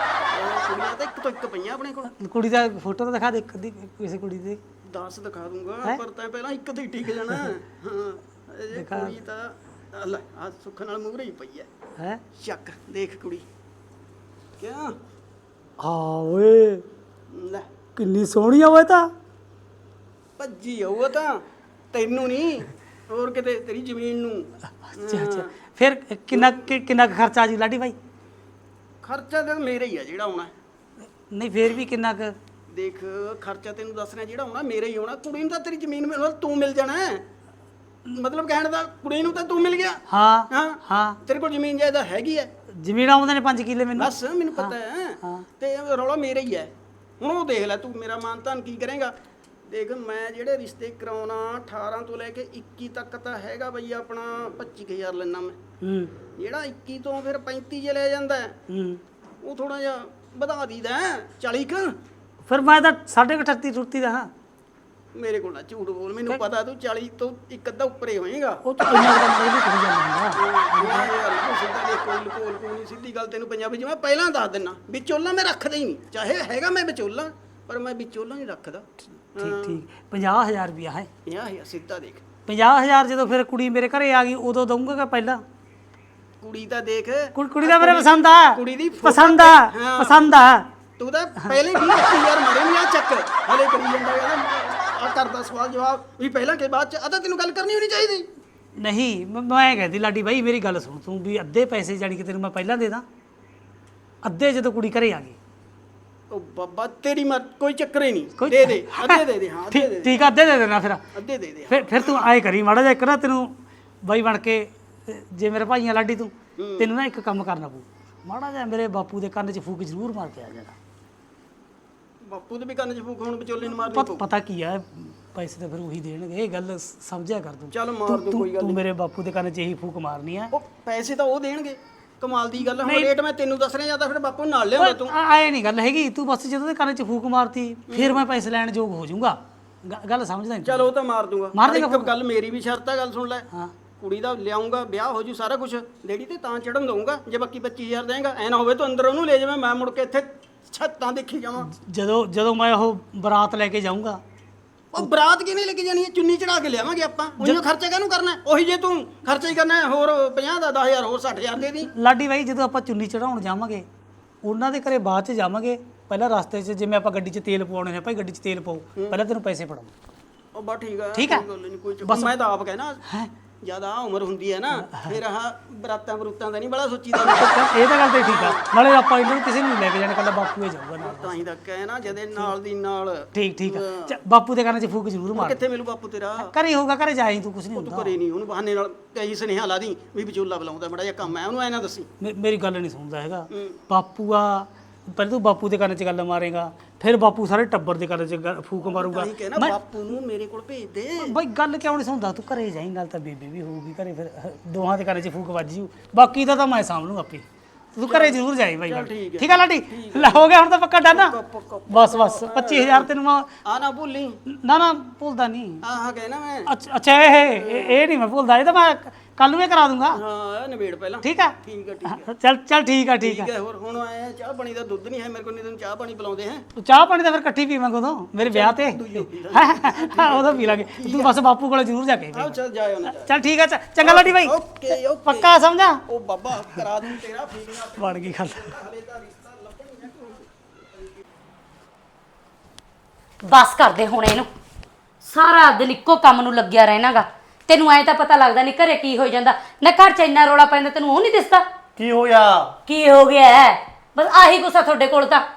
[SPEAKER 5] ਉਹ ਕੁੜੀਆਂ ਤਾਂ ਇੱਕ ਤੋਂ ਇੱਕ ਪਈਆਂ ਆਪਣੇ ਕੋਲ
[SPEAKER 1] ਕੁੜੀ ਦਾ ਫੋਟੋ ਤਾਂ ਦਿਖਾ ਦੇ ਇੱਕ ਅੱਧੀ ਕਿਸੇ ਕੁੜੀ ਦੀ
[SPEAKER 5] ਦਸ ਦਿਖਾ ਦੂੰਗਾ ਪਰ ਤੈਂ ਪਹਿਲਾਂ ਇੱਕ ਤੇ ਹੀ ਟਿਕ ਜਾਣਾ ਹਾਂ ਇਹ ਕੁੜੀ ਤਾਂ ਲੈ ਆ ਸੁੱਖ ਨਾਲ ਮੂਹਰੇ ਹੀ ਪਈ ਐ
[SPEAKER 1] ਹੈ
[SPEAKER 5] ਚੱਕ ਦੇਖ ਕੁੜੀ ਕਿਉਂ
[SPEAKER 1] ਆ ਓਏ
[SPEAKER 5] ਲੈ
[SPEAKER 1] ਕਿੰਨੀ ਸੋਹਣੀ ਆ ਓਏ ਤਾਂ
[SPEAKER 5] ਭੱਜੀ ਆਊ ਉਹ ਤਾਂ ਤੈਨੂੰ ਨਹੀਂ ਹੋਰ ਕਿਤੇ ਤੇਰੀ ਜ਼ਮੀਨ ਨੂੰ
[SPEAKER 1] ਅੱਛਾ ਅੱਛਾ ਫਿਰ ਕਿੰਨਾ ਕਿ- ਕਿੰਨਾ ਕੁ ਖਰਚਾ ਆ ਜੂ ਲਾਡੀ ਬਾਈ
[SPEAKER 5] ਖਰਚਾ ਤਾਂ ਮੇਰਾ ਹੀ ਆ ਜਿਹੜਾ ਆਉਣਾ
[SPEAKER 1] ਨਹੀਂ ਫਿਰ ਵੀ ਕਿੰਨਾ ਕੁ
[SPEAKER 5] ਦੇਖ ਖਰਚਾ ਤੈਨੂੰ ਦੱਸਣਾ ਜਿਹੜਾ ਆਉਣਾ ਮੇਰਾ ਹੀ ਆਉਣਾ ਕੁੜੀ ਨੂੰ ਤਾਂ ਤੇਰੀ ਜ਼ਮੀਨ ਮਿਲ ਤੂੰ ਮਿਲ ਜਾਣਾ ਹੈ। ਮਤਲਬ ਕਹਿਣ ਦਾ ਕੁੜੀ ਨੂੰ ਤਾਂ ਤੂੰ ਮਿਲ ਗਿਆ
[SPEAKER 1] ਹਾਂ
[SPEAKER 5] ਹਾਂ
[SPEAKER 1] ਹਾਂ
[SPEAKER 5] ਤੇਰੇ ਕੋਲ ਜ਼ਮੀਨ ਜਾਇਦਾਦ ਹੈਗੀ ਹੈ
[SPEAKER 1] ਜ਼ਮੀਨ ਆਉਂਦੇ ਨੇ ਪੰਜ ਕਿੱਲੇ ਮੈਨੂੰ
[SPEAKER 5] ਬਸ ਮੈਨੂੰ ਪਤਾ ਹੈ
[SPEAKER 1] ਹਾਂ।
[SPEAKER 5] ਤੇ ਰੌਲਾ ਮੇਰਾ ਹੀ ਹੈ ਹੁਣ ਉਹ ਦੇਖ ਲੈ ਤੂੰ ਮੇਰਾ ਮਾਨ ਤਾਨ ਕੀ ਕਰੇਗਾ ਦੇਖ ਮੈਂ ਜਿਹੜੇ ਰਿਸ਼ਤੇ ਕਰਾਉਣਾ ਅਠਾਰਾਂ ਤੋਂ ਲੈ ਕੇ ਇੱਕੀ ਤੱਕ ਤਾਂ ਹੈਗਾ ਬਈ ਆਪਣਾ ਪੱਚੀ ਕੁ ਹਜ਼ਾਰ ਲੈਣਾ ਮੈਂ
[SPEAKER 1] ਹੂੰ
[SPEAKER 5] ਜਿਹੜਾ ਇੱਕੀ ਤੋਂ ਫਿਰ ਪੈਂਤੀ ਜੇ ਲੈ ਜਾਂਦਾ ਹੈ,
[SPEAKER 1] ਹੂੰ
[SPEAKER 5] ਉਹ ਥੋੜਾ ਜਿਹਾ ਵਧਾ ਦੀਦਾ ਚਾਲੀ ਕੁ
[SPEAKER 1] ਫਿਰ ਮੈਂ ਤਾਂ ਸਾਢੇ ਕੁ ਅਠੱਤੀ ਟੁੱਤੀ ਦਾ ਹਾਂ
[SPEAKER 5] ਮੇਰੇ ਕੋਲ ਨਾ ਝੂਠ ਬੋਲ ਮੈਨੂੰ ਪਤਾ ਤੂੰ ਚਾਲੀ ਤੋਂ ਇੱਕ ਅੱਧਾ ਉੱਪਰੇ ਹੋਏਗਾ
[SPEAKER 1] ਉਹ ਤਾਂ ਇੰਨਾ ਕੁ ਤਾਂ ਮੈਂ ਵੀ ਕਹੀ ਜਾਂਦਾ ਹੁੰਦਾ
[SPEAKER 5] ਸਿੱਧਾ ਦੇਖ ਕੋਈ ਲਕੋਲ ਕੋਈ ਨਹੀਂ ਸਿੱਧੀ ਗੱਲ ਤੈਨੂੰ ਪੰਜਾਬੀ ਚ ਮੈਂ ਪਹਿਲਾਂ ਦੱਸ ਦਿੰਨਾ ਵਿਚੋਲਾ ਮੈਂ ਰੱਖਦਾ ਹੀ ਨਹੀਂ ਚਾਹੇ ਹੈਗਾ ਮੈਂ ਵਿਚੋਲਾ ਪਰ ਮੈਂ ਵਿਚੋਲਾ ਨਹੀਂ ਰੱਖਦਾ
[SPEAKER 1] ਠੀਕ ਠੀਕ ਪੰਜਾਹ ਹਜ਼ਾਰ ਰੁਪਇਆ ਹੈ
[SPEAKER 5] ਪੰਜਾਹ ਹਜ਼ਾਰ ਸਿੱਧਾ ਦੇਖ
[SPEAKER 1] ਪੰਜਾਹ ਹਜ਼ਾਰ ਜਦੋਂ ਫਿਰ ਕੁੜੀ ਮੇਰੇ ਘਰੇ ਆ ਗਈ ਉਦੋਂ ਦਊਂਗਾ ਕਿ ਪਹਿਲਾਂ
[SPEAKER 5] ਕੁੜੀ ਤਾਂ ਦੇਖ
[SPEAKER 1] ਕੁੜੀ ਕੁੜੀ ਦਾ ਮੇਰੇ ਪਸੰਦ ਆ
[SPEAKER 5] ਕੁੜੀ ਦੀ photo
[SPEAKER 1] ਪਸੰਦ ਆ
[SPEAKER 5] ਹਾਂ।
[SPEAKER 1] ਪਸੰਦ ਆ
[SPEAKER 5] ਤੂੰ ਤਾਂ ਪਹਿਲੇ ਵੀਹ ਪੱਚੀ ਹਜ਼ਾਰ ਮਾਰੇ ਨਹੀਂ ਆ ਚੱਕ ਹਲੇ ਕਰੀ ਜਾਂਦਾ ਆ ਕਰਦਾ ਸਵਾਲ ਜਵਾਬ ਵੀ ਪਹਿਲਾਂ ਕਿ ਬਾਅਦ ਚ ਆ ਤਾਂ ਤੈਨੂੰ ਗੱਲ ਕਰਨੀ ਹੋਣੀ ਚਾਹੀਦੀ
[SPEAKER 1] ਨਹੀਂ ਮ- ਮੈਂ ਕਹਿੰਦੀ ਲਾਡੀ ਬਾਈ ਮੇਰੀ ਗੱਲ ਸੁਣ ਤੂੰ ਵੀ ਅੱਧੇ ਪੈਸੇ ਜਾਣੀ ਕਿ ਤੈਨੂੰ ਮੈਂ ਪਹਿਲਾਂ ਦੇ ਦਾਂ ਅੱਧੇ ਜਦੋਂ ਕੁੜੀ ਘਰੇ ਆ ਗਈ
[SPEAKER 5] ਉਹ ਬਾਬਾ ਤੇਰੀ ਮਰ ਕੋਈ ਚੱਕਰ ਹੀ ਨਹੀਂ
[SPEAKER 1] ਕੋਈ-
[SPEAKER 5] ਦੇ ਦੇ ਅੱਧੇ ਦੇ ਦੇ ਹਾਂ ਅੱਧੇ
[SPEAKER 1] ਠੀਕ
[SPEAKER 5] ਦੇ ਦੇ
[SPEAKER 1] ਠੀਕ ਆ, ਅੱਧੇ ਦੇ ਦੇਣਾ ਫਿਰ
[SPEAKER 5] ਅੱਧੇ ਦੇ ਦੇ
[SPEAKER 1] ਫਿਰ ਫਿਰ ਤੂੰ ਆਏ ਕਰੀ ਮਾੜਾ ਜਿਹਾ ਇੱਕ ਨਾ ਤੈਨੂੰ ਬਾਈ ਬਣ ਕੇ ਅਹ ਜੇ ਮੇਰੇ ਭਾਈਆਂ ਲਾਡੀ ਤੂੰ ਤੈਨੂੰ ਨਾ ਇੱਕ ਕੰਮ ਕਰਨਾ ਪਊ ਮਾੜਾ ਜਿਹਾ ਮੇਰੇ ਬਾਪੂ ਦੇ ਕੰਨ 'ਚ ਫੂਕ ਜ਼ਰੂਰ ਮਾਰ ਕੇ ਆ ਜਾਣਾ
[SPEAKER 5] ਬਾਪੂ ਦੇ ਵੀ ਕੰਨ ਚ ਫੂਕ ਹੁਣ ਵਿਚੋਲੇ ਨੂੰ ਮਾਰਨੀ
[SPEAKER 1] ਪਤ-
[SPEAKER 5] ਪਊ
[SPEAKER 1] ਪਤਾ ਕੀ ਆ ਪੈਸੇ ਤਾਂ ਫਿਰ ਉਹੀ ਦੇਣਗੇ ਇਹ ਗੱਲ ਸ- ਸਮਝਿਆ ਕਰ ਤੂੰ
[SPEAKER 5] ਚੱਲ ਮਾਰ
[SPEAKER 1] ਤੂੰ-
[SPEAKER 5] ਦੂੰ
[SPEAKER 1] ਤੂੰ-
[SPEAKER 5] ਕੋਈ ਗੱਲ
[SPEAKER 1] ਤੂੰ
[SPEAKER 5] ਨਹੀਂ
[SPEAKER 1] ਮੇਰੇ ਬਾਪੂ ਦੇ ਕੰਨ 'ਚ ਇਹੀ ਫੂਕ ਮਾਰਨੀ ਆ
[SPEAKER 5] ਉਹ ਪੈਸੇ ਤਾਂ ਉਹ ਦੇਣਗੇ ਕਮਾਲ ਦੀ ਗੱਲ ਆ, ਹੁਣ ਰੇਟ ਮੈਂ ਤੈਨੂੰ ਦੱਸ ਰਿਹਾ ਜਾਂ ਤਾਂ ਫਿਰ ਬਾਪੂ ਨੂੰ ਨਾਲ ਲਿਆਉਂਦਾ ਤੂੰ
[SPEAKER 1] ਆਏ ਨਹੀਂ ਗੱਲ ਹੈਗੀ ਤੂੰ ਬਸ ਜਦੋਂ ਦੇ ਕੰਨ 'ਚ ਫੂਕ ਮਾਰਤੀ ਫਿਰ ਮੈਂ ਪੈਸੇ ਲੈਣ ਯੋਗ ਹੋ ਜਾਊਂਗਾ ਗ- ਗੱਲ ਸਮਝਦਾ ਨਹੀਂ
[SPEAKER 5] ਚਲ ਉਹ ਤਾਂ ਮਾਰ ਦੂੰਗਾ
[SPEAKER 1] ਮਾਰ
[SPEAKER 5] ਪਰ
[SPEAKER 1] ਦੇਗਾ
[SPEAKER 5] ਇੱਕ ਗੱਲ ਮੇਰੀ ਵੀ ਸ਼ਰਤ ਆ ਗੱਲ ਸੁਣ ਲੈ
[SPEAKER 1] ਹਾਂ
[SPEAKER 5] ਕੁੜੀ ਦਾ ਲਿਆਉਂਗਾ ਵਿਆਹ ਹੋ ਜੂ ਸਾਰਾ ਕੁਝ ਲੇਡੀ ਤੇ ਤਾਂ ਚੜਨ ਦਊਂਗਾ ਜੇ ਬਾਕੀ ਪੱਚੀ ਹਜ਼ਾਰ ਦੇਂਗਾ ਐ ਨਾ ਹੋਵੇ ਤੂੰ ਅੰਦਰ ਉਹਨੂੰ ਲੈ ਜਾਵੇਂ ਮੈਂ ਮੁੜ ਕੇ ਇੱਥੇ ਛੱਤਾਂ ਦੇਖੀ ਜਾਵਾਂ
[SPEAKER 1] ਜਦੋਂ ਜਦੋਂ ਮੈਂ ਉਹ ਬਰਾਤ ਲੈ ਕੇ ਜਾਊਂਗਾ
[SPEAKER 5] ਉਹ ਬਰਾਤ ਕਿਵੇਂ ਲੈ ਕੇ ਜਾਣੀ ਹੈ ਚੁੰਨੀ ਚੜਾ ਕੇ ਲਿਆਵਾਂਗੇ ਆਪਾਂ ਉਹਨੂੰ ਖਰਚਾ ਕਾਹਨੂੰ ਕਰਨਾ ਹੈ? ਉਹੀ ਜੇ ਤੂੰ ਖਰਚਾ ਹੀ ਕਰਨਾ ਹੈ, ਹੋਰ ਪੰਜਾਹ ਦਾ ਦਸ ਹਜ਼ਾਰ ਹੋਰ ਸੱਠ ਹਜ਼ਾਰ ਦੇ ਦੀ
[SPEAKER 1] ਲਾਡੀ ਬਾਈ ਜਦੋਂ ਆਪਾਂ ਚੁੰਨੀ ਚੜਾਉਣ ਜਾਵਾਂਗੇ ਉਹਨਾਂ ਦੇ ਘਰੇ ਬਾਅਦ ਚ ਜਾਵਾਂਗੇ ਪਹਿਲਾਂ ਰਸਤੇ 'ਚ ਜਿਵੇਂ ਆਪਾਂ ਗੱਡੀ 'ਚ ਤੇਲ ਪਵਾਉਣੇ ਨੇ ਭਾਈ ਗੱਡੀ 'ਚ ਤੇਲ ਪਾਓ ਪਹਿਲਾਂ ਤੈਨੂੰ ਪੈਸੇ ਫੜਾਉਂ
[SPEAKER 5] ਉਹ ਬਾ ਠੀਕ ਆ
[SPEAKER 1] ਠੀਕ ਆ?
[SPEAKER 5] ਕੋਈ ਗੱਲ ਨਹੀਂ ਕੋਈ ਚੱਕਰ ਮੈਂ ਤਾਂ ਆਪ ਕਹਿਣਾ ਜਿਆਦਾ ਉਮਰ ਹੁੰਦੀ ਹੈ ਨਾ ਫਿਰ ਆਹ ਬਰਾਤਾਂ ਬਰੂਤਾਂ ਦਾ ਨਹੀਂ ਬੜਾ ਸੋਚੀਦਾ
[SPEAKER 1] ਇਹ ਤਾਂ ਗੱਲ ਤੇ ਠੀਕ ਆ ਨਾਲੇ ਆਪਾਂ ਇਹਨਾਂ ਨੂੰ ਕਿਸੇ ਨੂੰ ਨੀ ਲੈ ਕੇ ਜਾਣਾ ਕੱਲਾ ਬਾਪੂ ਹੀ ਜਾਊਗਾ ਨਾਲ
[SPEAKER 5] ਤਾਂ ਹੀ ਤਾਂ ਕਹਿਣਾ ਜਦੇ ਨਾਲ ਦੀ ਨਾਲ
[SPEAKER 1] ਠੀਕ ਠੀਕ ਆ ਚ- ਬਾਪੂ ਦੇ ਕੰਨ 'ਚ ਫੂਕ ਜ਼ਰੂਰ ਮਾਰ
[SPEAKER 5] ਕਿੱਥੇ ਮਿਲੂ ਬਾਪੂ ਤੇਰਾ
[SPEAKER 1] ਘਰੇ ਹੋਊਗਾ ਘਰੇ ਜਾਈ ਤੂੰ ਕੁਝ ਨਹੀਂ
[SPEAKER 5] ਤੂੰ
[SPEAKER 1] ਹੁੰਦਾ
[SPEAKER 5] ਘਰੇ ਨਹੀਂ ਉਹਨੂੰ ਬਹਾਨੇ ਨਾਲ ਕਈ ਸੁਨੇਹਾ ਲਾ ਦੀ ਵੀ ਵਿਚੋਲਾ ਬੁਲਾਉਂਦਾ ਬੜਾ ਜਿਹਾ ਕੰਮ ਹੈ ਉਹਨੂੰ ਐ ਨਾ ਦੱਸੀ
[SPEAKER 1] ਮੇ- ਮੇਰੀ ਗੱਲ ਨਹੀਂ ਸੁਣਦਾ ਹੈਗਾ ਬਾਪੂ ਆ ਪਹਿਲਾਂ ਤੂੰ ਬਾਪੂ ਦੇ ਕੰਨ 'ਚ ਗੱਲ ਮਾਰੇਗਾ ਫਿਰ ਬਾਪੂ ਸਾਰੇ ਟੱਬਰ ਦੇ ਕੰਨ 'ਚ ਗੱਲ- ਫੂਕ ਮਾਰੂਗਾ
[SPEAKER 5] ਤਾਂ ਹੀ ਕਹਿਣਾ ਬਾਪੂ ਨੂੰ ਮੇਰੇ ਕੋਲ ਭੇਜ ਦੇ
[SPEAKER 1] ਬਾਈ ਗੱਲ ਕਿਉਂ ਨਹੀਂ ਸੁਣਦਾ ਤੂੰ ਘਰੇ ਜਾਈਂ ਨਾਲ ਤਾਂ ਬੇਬੇ ਵੀ ਹੋਊਗੀ ਘਰੇ ਫਿਰ ਹ- ਦੋਹਾਂ ਦੇ ਕੰਨ 'ਚ ਫੂਕ ਵੱਜ ਜੂ ਬਾਕੀ ਦਾ ਤਾਂ ਮੈਂ ਸਾਂਭ ਲੂੰ ਆਪੇ ਤੂੰ ਘਰੇ ਜ਼ਰੂਰ ਜਾਈ ਬਾਈ ਗੱਲ। ਠੀਕ ਆ ਲਾਡੀ ਲੈ ਹੋ ਗਿਆ ਹੁਣ ਤਾਂ ਪੱਕਾ ਡਾਨਾ ਬਸ ਬਸ ਪੱਚੀ ਹਜ਼ਾਰ ਤੈਨੂੰ ਮੈਂ
[SPEAKER 5] ਆ ਨਾ ਭੁੱਲੀ
[SPEAKER 1] ਨਾ ਨਾ ਭੁੱਲਦਾ ਨਹੀਂ
[SPEAKER 5] ਆਹ ਕਹਿਣਾ ਮੈਂ
[SPEAKER 1] ਅੱਛਾ ਅੱਛਾ ਇਹ ਇਹ ਇਹ ਨਹੀਂ ਮੈਂ ਭੁੱਲਦਾ ਇਹ ਤਾਂ ਮੈਂ ਕੱਲ ਨੂੰ ਇਹ ਕਰਾ ਦੂੰਗਾ
[SPEAKER 5] ਹਾਂ ਇਹ ਨਿਬੇੜ ਪਹਿਲਾਂ
[SPEAKER 1] ਠੀਕ ਆ
[SPEAKER 5] ਠੀਕ ਆ ਠੀਕ ਆ
[SPEAKER 1] ਚੱਲ ਚੱਲ ਠੀਕ ਆ ਠੀਕ ਆ
[SPEAKER 5] ਠੀਕ ਹੈ ਹੋਰ ਹੁਣ ਆਏ ਚਾਹ ਪਾਣੀ ਦਾ ਦੁੱਧ ਨਹੀਂ ਹੈ ਮੇਰੇ ਕੋਲ ਨਹੀਂ ਤੈਨੂੰ ਚਾਹ ਪਾਣੀ ਪਿਲਾਉਂਦੇ ਹੈ
[SPEAKER 1] ਤੂੰ ਚਾਹ ਪਾਣੀ ਤਾਂ ਫਿਰ ਇਕੱਠੀ ਪੀਵਾਂਗੇ ਉਦੋਂ ਮੇਰੇ ਵਿਆਹ ਤੇ ਉਦੋਂ ਪੀ ਲਾਂਗੇ ਤੂੰ ਬਸ ਬਾਪੂ ਕੋਲੇ ਜ਼ਰੂਰ ਜਾ ਕੇ ਪੀ।
[SPEAKER 5] ਆਓ ਚੱਲ ਜਾਇਓ ਨਾ
[SPEAKER 1] ਚੱਲ ਠੀਕ ਆ ਚ- ਚੰਗਾ ਲਾਡੀ ਬਾਈ
[SPEAKER 5] ਓਕੇ ਓਕੇ
[SPEAKER 1] ਪੱਕਾ ਸਮਝਾ
[SPEAKER 5] ਉਹ ਬਾਬਾ ਕਰਾ ਦੂੰ ਤੇਰਾ ਫੀਲਿੰਗ
[SPEAKER 1] ਬਣ ਗਈ ਗੱਲ
[SPEAKER 5] ਹਲੇ ਤਾਂ ਰਿਸ਼ਤਾ ਲੱਭਣ
[SPEAKER 3] ਬਸ ਕਰਦੇ ਹੁਣ ਇਹਨੂੰ ਸਾਰਾ ਦਿਨ ਇੱਕੋ ਕੰਮ ਨੂੰ ਲੱਗਿਆ ਰਹਿਣਾਗਾ ਤੈਨੂੰ ਐ ਤਾਂ ਪਤਾ ਲੱਗਦਾ ਨਹੀਂ ਘਰੇ ਕੀ ਹੋ ਜਾਂਦਾ ਨਾ ਘਰ ਚ ਇੰਨਾ ਰੌਲਾ ਪੈਂਦਾ ਤੈਨੂੰ ਉਹ ਨਹੀਂ ਦਿਸਦਾ
[SPEAKER 6] ਕੀ ਹੋਇਆ
[SPEAKER 3] ਕੀ ਹੋ ਗਿਆ ਹੈ? ਬਸ ਆਹੀ ਗੁੱਸਾ ਤੁਹਾਡੇ ਕੋਲ ਤਾਂ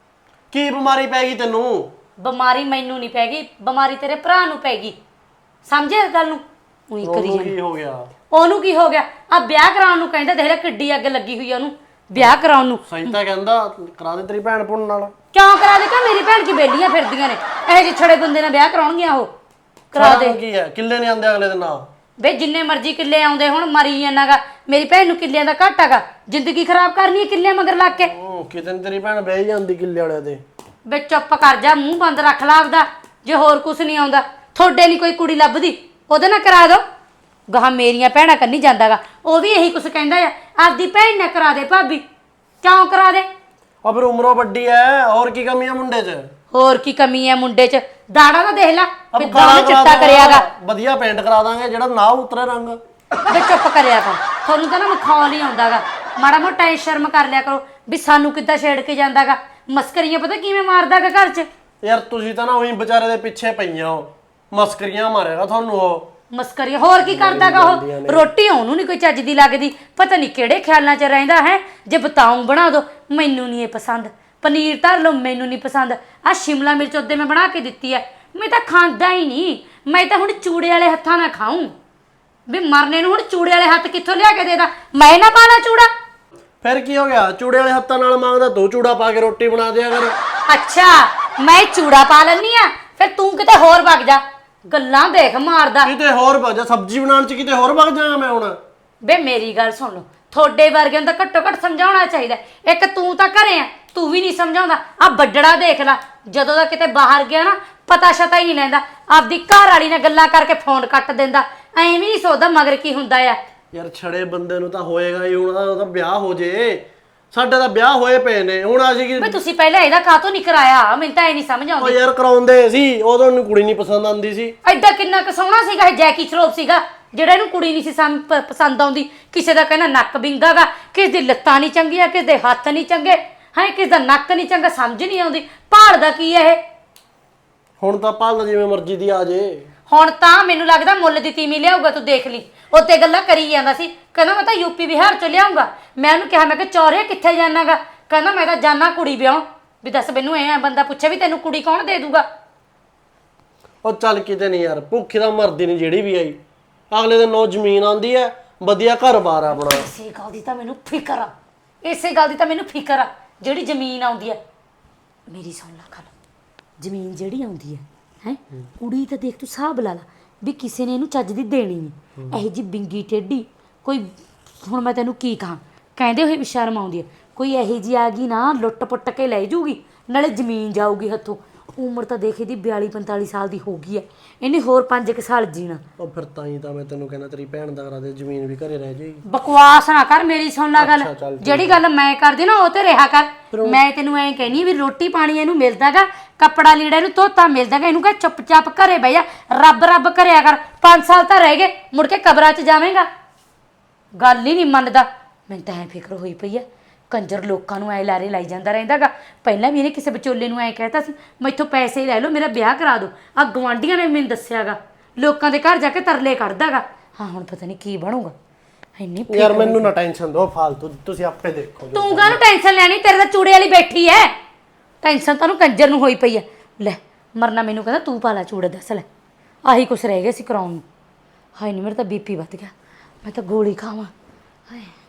[SPEAKER 6] ਕੀ ਬਿਮਾਰੀ ਪੈ ਗਈ ਤੈਨੂੰ
[SPEAKER 3] ਬਿਮਾਰੀ ਮੈਨੂੰ ਨਹੀਂ ਪੈ ਗਈ ਬਿਮਾਰੀ ਤੇਰੇ ਭਰਾ ਨੂੰ ਪੈ ਗਈ ਸਮਝਿਆ ਇਸ ਗੱਲ ਨੂੰ ਉਹੀ ਕਰੀ
[SPEAKER 6] ਉਹਨੂੰ
[SPEAKER 3] ਜਾਂਦੀ
[SPEAKER 6] ਕੀ ਹੋ ਗਿਆ
[SPEAKER 3] ਉਹਨੂੰ ਕੀ ਹੋ ਗਿਆ ਆ ਵਿਆਹ ਕਰਾਉਣ ਨੂੰ ਕਹਿੰਦਾ ਦੇਖ ਲੈ ਕਿੱਡੀ ਅੱਗ ਲੱਗੀ ਹੋਈ ਆ ਉਹਨੂੰ ਵਿਆਹ ਕਰਾਉਣ ਨੂੰ
[SPEAKER 6] ਸਹੀ ਤਾਂ ਕਹਿੰਦਾ ਕਰਾ ਦੇ ਤੇਰੀ ਭੈਣ ਭੁਣ ਨਾਲ
[SPEAKER 3] ਕਿਉਂ ਕਰਾ ਦੇ ਕਿ ਮੇਰੀ ਭੈਣ ਕੀ ਬੇਲੀਆਂ ਫਿਰਦੀਆਂ ਨੇ ਇਹ ਜਿਹੇ ਛੜੇ ਬੰਦੇ ਨਾਲ ਵਿਆਹ ਕਰਾਉਣਗੀਆਂ ਉਹ ਕਰਾ ਦੇ
[SPEAKER 6] ਸਾਰਾ ਕੀ ਹੈ ਕਿੱਲੇ ਨਹੀਂ ਆਂਦੇ ਅਗਲੇ ਦਿਨ ਆ
[SPEAKER 3] ਵੇ ਜਿੰਨੇ ਮਰਜ਼ੀ ਕਿੱਲੇ ਆਉਂਦੇ ਹੁਣ ਮਰੀ ਜਾਣਾਗਾ ਮੇਰੀ ਭੈਣ ਨੂੰ ਕਿੱਲਿਆਂ ਦਾ ਘਾਟਾ ਗਾ ਜ਼ਿੰਦਗੀ ਖਰਾਬ ਕਰਨੀ ਹੈ ਕਿੱਲਿਆਂ ਮਗਰ ਲੱਗ ਕੇ
[SPEAKER 6] ਉਹ ਕਿਤੇ ਨੀ ਤੇਰੀ ਭੈਣ ਬਹਿ ਜਾਂਦੀ ਕਿੱਲੇ ਵਾਲਿਆਂ ਦੇ
[SPEAKER 3] ਵੇ ਚੁੱਪ ਕਰ ਜਾ ਮੂੰਹ ਬੰਦ ਰੱਖ ਲਾ ਆਪਦਾ ਜੇ ਹੋਰ ਕੁਝ ਨਹੀਂ ਆਉਂਦਾ ਤੁਹਾਡੇ ਨਹੀਂ ਕੋਈ ਕੁੜੀ ਲੱਭਦੀ ਉਹਦੇ ਨਾਲ ਕਰਾ ਦੋ ਗਾਹ ਮੇਰੀਆਂ ਭੈਣਾਂ ਕੰਨੀ ਜਾਂਦਾਗਾ ਉਹ ਵੀ ਇਹੀ ਕੁਝ ਕਹਿੰਦਾ ਆ ਆਪਦੀ ਭੈਣ ਨਾਲ ਕਰਾ ਦੇ ਭਾਬੀ ਕਿਉਂ ਕਰਾ ਦੇ
[SPEAKER 6] ਆ ਫਿਰ ਉਮਰੋਂ ਵੱਡੀ ਐ ਹੋਰ ਕੀ ਕਮੀ ਆ ਮੁੰਡੇ 'ਚ
[SPEAKER 3] ਹੋਰ ਕੀ ਕਮੀ ਹੈ ਮੁੰਡੇ 'ਚ ਦਾੜਾ ਤਾਂ ਦੇਖ ਲੈ
[SPEAKER 6] ਅਬ
[SPEAKER 3] ਕਿੱਦਾਂ ਉਹਨੇ ਚਿੱਟਾ ਕਰਿਆਗਾ
[SPEAKER 6] ਵਧੀਆ ਪੇਂਟ ਕਰਾ ਦਾਂਗੇ ਜਿਹੜਾ ਨਾ ਉਤਰੇ ਰੰਗ
[SPEAKER 3] ਵੇ ਚੁੱਪ ਕਰਿਆ ਕਰ ਤੁਹਾਨੂੰ ਤਾਂ ਨਾ ਮਖੌਲ ਹੀ ਆਉਂਦਾਗਾ ਮਾੜਾ ਮੋਟਾ ਇਹ ਸ਼ਰਮ ਕਰ ਲਿਆ ਕਰੋ ਵੀ ਸਾਨੂੰ ਕਿੱਦਾਂ ਛੇੜ ਕੇ ਜਾਂਦਾਗਾ ਮਸਕਰੀਆਂ ਪਤਾ ਕਿਵੇਂ ਮਾਰਦਾਗਾ ਘਰ 'ਚ
[SPEAKER 6] ਯਾਰ ਤੁਸੀਂ ਤਾਂ ਨਾ ਉਹੀ ਵਿਚਾਰੇ ਦੇ ਪਿੱਛੇ ਪਈਆਂ ਹੋ ਮਸਕਰੀਆਂ ਮਾਰੇਗਾ ਤੁਹਾਨੂੰ ਉਹ
[SPEAKER 3] ਮਸਕਰੀਆਂ ਹੋਰ ਕੀ ਕਰਦਾਗਾ ਉਹ ਰੋਟੀ ਉਹਨੂੰ ਨਹੀਂ ਕੋਈ ਚੱਜ ਦੀ ਲੱਗਦੀ ਪਤਾ ਨਹੀਂ ਕਿਹੜੇ ਖਿਆਲਾਂ 'ਚ ਰਹਿੰਦਾ ਹੈ ਜੇ ਬਤਾਉਂ ਬਣਾ ਦੋ ਮੈਨੂੰ ਨਹੀਂ ਇਹ ਪਸੰਦ ਪਨੀਰ ਧਰ ਲਓ ਮੈਨੂੰ ਨਹੀਂ ਪਸੰਦ ਆ ਸ਼ਿਮਲਾ ਮਿਰਚ ਉਹਦੇ ਮੈਂ ਬਣਾ ਕੇ ਦਿੱਤੀ ਐ ਮੈਂ ਤਾਂ ਖਾਂਦਾ ਹੀ ਨਹੀਂ ਮੈਂ ਤਾਂ ਹੁਣ ਚੂੜੇ ਵਾਲੇ ਹੱਥਾਂ ਨਾਲ ਖਾਊਂ ਵੀ ਮਰਨੇ ਨੂੰ ਹੁਣ ਚੂੜੇ ਵਾਲੇ ਹੱਥ ਕਿੱਥੋਂ ਲਿਆ ਕੇ ਦੇਦਾ ਮੈਂ ਨਾ ਪਾਣਾ ਚੂੜਾ
[SPEAKER 6] ਫਿਰ ਕੀ ਹੋ ਗਿਆ ਚੂੜੇ ਵਾਲੇ ਹੱਥਾਂ ਨਾਲ ਮੰਗਦਾ ਦੋ ਚੂੜਾ ਪਾ ਕੇ ਰੋਟੀ ਬਣਾ ਦਿਆ ਕਰ
[SPEAKER 3] ਅੱਛਾ ਮੈਂ ਚੂੜਾ ਪਾ ਲੈਣੀ ਆ ਫਿਰ ਤੂੰ ਕਿਤੇ ਹੋਰ ਵਗ ਜਾ ਗੱਲਾਂ ਦੇਖ ਮਾਰਦਾ
[SPEAKER 6] ਕਿਤੇ ਹੋਰ ਵਗ ਜਾ ਸਬਜ਼ੀ ਬਣਾਉਣ 'ਚ ਕਿਤੇ ਹੋਰ ਵਗ ਜਾਵਾਂ ਮੈਂ ਹੁਣ
[SPEAKER 3] ਬੇ ਮੇਰੀ ਗੱਲ ਸੁਣ ਲਓ ਤੁਹਾਡੇ ਵਰਗਿਆਂ ਨੂੰ ਤਾਂ ਘੱਟੋ ਘੱਟ ਸਮਝਾਉਣਾ ਚਾਹੀਦਾ ਇੱਕ ਤੂੰ ਤਾਂ ਘਰੇ ਆ ਤੂੰ ਵੀ ਨਹੀਂ ਸਮਝਾਉਂਦਾ ਆ ਵੱਡੜਾ ਦੇਖ ਲੈ ਜਦੋਂ ਦਾ ਕਿਤੇ ਬਾਹਰ ਗਿਆ ਨਾ ਪਤਾ ਸ਼ਤਾ ਹੀ ਨਹੀਂ ਲੈਂਦਾ ਆਪਦੀ ਘਰ ਵਾਲੀ ਨਾਲ ਗੱਲਾਂ ਕਰਕੇ ਫੋਨ ਕੱਟ ਦਿੰਦਾ ਐਵੇਂ ਨਹੀਂ ਸੋਚਦਾ ਮਗਰ ਕੀ ਹੁੰਦਾ ਆ
[SPEAKER 6] ਯਾਰ ਛੜੇ ਬੰਦੇ ਨੂੰ ਤਾਂ ਹੋਏਗਾ ਹੀ ਹੁਣ ਉਹਦਾ ਵਿਆਹ ਹੋ ਜੇ ਸਾਡੇ ਤਾਂ ਵਿਆਹ ਹੋਏ ਪਏ ਨੇ ਹੁਣ ਅਸੀਂ ਕੀ
[SPEAKER 3] ਬਈ ਤੁਸੀਂ ਪਹਿਲਾਂ ਇਹਦਾ ਕਾਹਤੋਂ ਨਹੀਂ ਕਰਾਇਆ ਮੈਨੂੰ ਤਾਂ ਇਹ ਨਹੀਂ ਸਮਝ
[SPEAKER 6] ਉਹ
[SPEAKER 3] ਆਉਂਦੀ
[SPEAKER 6] ਯਾਰ ਕਰਾਉਂਦੇ ਸੀ ਉਦੋਂ ਨੂੰ ਕੁੜੀ ਨਹੀਂ ਪਸੰਦ ਆਉਂਦੀ ਸੀ
[SPEAKER 3] ਐਡਾ ਕਿੰਨਾ ਕੁ ਸੋਹਣਾ ਸੀਗਾ ਇਹ ਜੈਕੀ ਸ਼ਰੋਫ ਸੀਗਾ ਜਿਹੜਾ ਇਹਨੂੰ ਕੁੜੀ ਨਹੀਂ ਸੀ ਸਮ- ਪ- ਪਸੰਦ ਆਉਂਦੀ ਕਿਸੇ ਦਾ ਕਹਿੰਦਾ ਨੱਕ ਵਿੰਗਾਗਾ ਕਿਸੇ ਦੀ ਲੱਤਾਂ ਨਹੀਂ ਚੰਗੀਆਂ ਕਿਸੇ ਦੇ ਹੱਥ ਨਹੀਂ ਚੰਗੇ ਹਾਂ ਕਿਸ ਦਾ ਨੱਕ ਨਹੀਂ ਚੰਗਾ, ਸਮਝ ਨਹੀਂ ਆਉਂਦੀ ਭਾਲਦਾ ਕੀ ਹੈ ਇਹ।
[SPEAKER 6] ਹੁਣ ਤਾਂ ਭਾਲਦਾ ਜਿਵੇਂ ਮਰਜ਼ੀ ਦੀ ਆ ਜੇ।
[SPEAKER 3] ਹੁਣ ਤਾਂ ਮੈਨੂੰ ਲੱਗਦਾ ਮੁੱਲ ਦੀ ਤੀਵੀਂ ਲਿਆਊਗਾ, ਤੂੰ ਦੇਖ ਲਈ। ਉੱਤੇ ਗੱਲਾਂ ਕਰੀ ਜਾਂਦਾ ਸੀ, ਕਹਿੰਦਾ ਮੈਂ ਤਾਂ ਯੂਪੀ ਬਿਹਾਰ ਚੋਂ ਲਿਆਉਂਗਾ। ਮੈਂ ਉਹਨੂੰ ਕਿਹਾ, ਮੈਂ ਕਿ ਚੌਰੇ ਕਿੱਥੇ ਜਾਣਾਗਾ? ਕਹਿੰਦਾ ਮੈਂ ਤਾਂ ਜਾਣਾ ਕੁੜੀ ਵਿਆਹ। ਵੀ ਦੱਸ ਮੈਨੂੰ ਐ ਬੰਦਾ ਪੁੱਛੇ ਵੀ ਤੈਨੂੰ ਕੁੜੀ ਕੌਣ ਦੇ ਦੂਗਾ?
[SPEAKER 6] ਉਹ ਚੱਲ ਕਿਤੇ ਨਹੀਂ ਯਾਰ, ਭੁੱਖੀ ਤਾਂ ਮਰਦੀ ਨਹੀਂ ਜਿਹੜੀ ਵੀ ਆਈ। ਅਗਲੇ ਦਿਨ ਨੌ ਜ਼ਮੀਨ ਆਉਂਦੀ ਹੈ, ਵਧੀਆ ਘਰ-ਬਾਰ ਆਪਣਾ।
[SPEAKER 3] ਇਸੇ ਗੱਲ ਦੀ ਤਾਂ ਮੈਨੂੰ ਫਿਕਰ ਆ, ਇਸੇ ਗੱਲ ਦੀ ਤਾਂ ਮੈਨੂੰ ਫਿਕਰ ਆ ਜਿਹੜੀ ਜ਼ਮੀਨ ਆਉਂਦੀ ਹੈ। ਮੇਰੀ ਸੁਣ ਲੈ ਗੱਲ, ਜ਼ਮੀਨ ਜਿਹੜੀ ਆਉਂਦੀ ਹੈ ਹੈ ਕੁੜੀ ਤਾਂ ਦੇਖ ਤੂੰ ਹਿਸਾਬ ਲਾ ਲਾ ਵੀ ਕਿਸੇ ਨੇ ਇਹਨੂੰ ਚੱਜ ਦੀ ਦੇਣੀ ਨਹੀਂ। ਇਹੋ ਜਿਹੀ ਬਿੰਗੀ ਟੇਢੀ ਕੋਈ, ਹੁਣ ਮੈਂ ਤੈਨੂੰ ਕੀ ਕਹਾਂ, ਕਹਿੰਦੇ ਹੋਏ ਵੀ ਸ਼ਰਮ ਆਉਂਦੀ ਹੈ। ਕੋਈ ਇਹੋ ਜਿਹੀ ਆ ਗਈ ਨਾ, ਲੁੱਟ ਪੁੱਟ ਕੇ ਲੈ ਜੂਗੀ, ਨਾਲੇ ਜ਼ਮੀਨ ਜਾਊਗੀ ਹੱਥੋਂ। ਉਮਰ ਤਾਂ ਦੇਖ ਇਹਦੀ ਬਿਆਲੀ ਪੰਤਾਲੀ ਸਾਲ ਦੀ ਹੋ ਗਈ ਹੈ, ਇਹਨੇ ਹੋਰ ਪੰਜ ਕੁ ਸਾਲ ਜੀਣਾ।
[SPEAKER 6] ਉਹ ਫਿਰ ਤਾਂ ਹੀ ਤਾਂ ਮੈਂ ਤੈਨੂੰ ਕਹਿੰਦਾ ਤੇਰੀ ਭੈਣ ਦਾ ਕਰਾ ਦੇ, ਜ਼ਮੀਨ ਵੀ ਘਰੇ ਰਹਿ ਜਾਏਗੀ।
[SPEAKER 3] ਬਕਵਾਸ ਨਾ ਕਰ, ਮੇਰੀ ਸੁਣ ਲੈ ਗੱਲ।
[SPEAKER 6] ਅੱਛਾ, ਚੱਲ ਠੀਕ
[SPEAKER 3] ਜਿਹੜੀ ਗੱਲ ਮੈਂ ਕਰਦੀ ਨਾ ਉਹ ਤੇ ਰਿਹਾ ਕਰ। ਮੈਂ ਤੈਨੂੰ ਐਂ ਕਹਿਨੀ ਵੀ ਰੋਟੀ ਪਾਣੀ ਇਹਨੂੰ ਮਿਲਦਾਗਾ, ਕੱਪੜਾ ਲੀੜਾ ਇਹਨੂੰ ਧੋਤਾ ਮਿਲਦਾਗਾ। ਇਹਨੂੰ ਕਹ ਚੁੱਪ-ਚਾਪ ਘਰੇ ਬਹਿ ਜਾ, ਰੱਬ ਰੱਬ ਕਰਿਆ ਕਰ। ਪੰਜ ਸਾਲ ਤਾਂ ਰਹਿ ਗਏ, ਮੁੜ ਕੇ ਕਬਰਾਂ 'ਚ ਜਾਵੇਂਗਾ। ਗੱਲ ਹੀ ਨਹੀਂ ਮੰਨਦਾ। ਮੈਨੂੰ ਤਾਂ ਐਂ ਫਿਕਰ ਹੋਈ ਪਈ ਆ, ਕੰਜਰ ਲੋਕਾਂ ਨੂੰ ਐ ਲਾਰੇ ਲਾਈ ਜਾਂਦਾ ਰਹਿੰਦਾਗਾ। ਪਹਿਲਾਂ ਵੀ ਇਹਨੇ ਕਿਸੇ ਵਿਚੋਲੇ ਨੂੰ ਐਂ ਕਹਿਤਾ ਸੀ, ਮੈਥੋਂ ਪੈਸੇ ਲੈ ਲਓ, ਮੇਰਾ ਵਿਆਹ ਕਰਾ ਦਿਓ। ਆ ਗਵਾਂਢੀਆਂ ਨੇ ਮੈਨੂੰ ਦੱਸਿਆਗਾ, ਲੋਕਾਂ ਦੇ ਘਰ ਜਾ ਕੇ ਤਰਲੇ ਕੱਢਦਾਗਾ। ਹਾਂ ਹੁਣ ਪਤਾ ਨਹੀਂ ਕੀ ਬਣੂਗਾ। ਇੰਨੀ
[SPEAKER 6] ਯਾਰ ਮੈਨੂੰ ਨਾ ਟੈਨਸ਼ਨ ਦਿਓ ਫਾਲਤੂ, ਤੁਸੀਂ ਆਪੇ ਦੇਖੋ।
[SPEAKER 3] ਤੂੰ ਕਾਹਨੂੰ ਟੈਨਸ਼ਨ ਲੈਣੀ, ਤੇਰੇ ਤਾਂ ਚੂੜੇ ਵਾਲੀ ਬੈਠੀ ਐ। ਟੈਨਸ਼ਨ ਤਾਂ ਉਹਨੂੰ ਕੰਜਰ ਨੂੰ ਹੋਈ ਪਈ ਐ। ਲੈ ਮਰਨਾ ਮੈਨੂੰ ਕਹਿੰਦਾ ਤੂੰ ਪਾ ਲੈ ਚੂੜੇ, ਦੱਸ ਲੈ ਆਹੀ ਕੁਛ ਰਹਿ ਗਿਆ ਸੀ ਕਰਾਉਣ ਨੂੰ। ਹਾਏ ਨਹੀਂ ਮੇਰਾ ਤਾਂ ਬੀਪੀ ਵੱਧ ਗਿਆ, ਮੈਂ ਤਾਂ ਗੋਲੀ ਖਾਵਾਂ। ਹਾਏ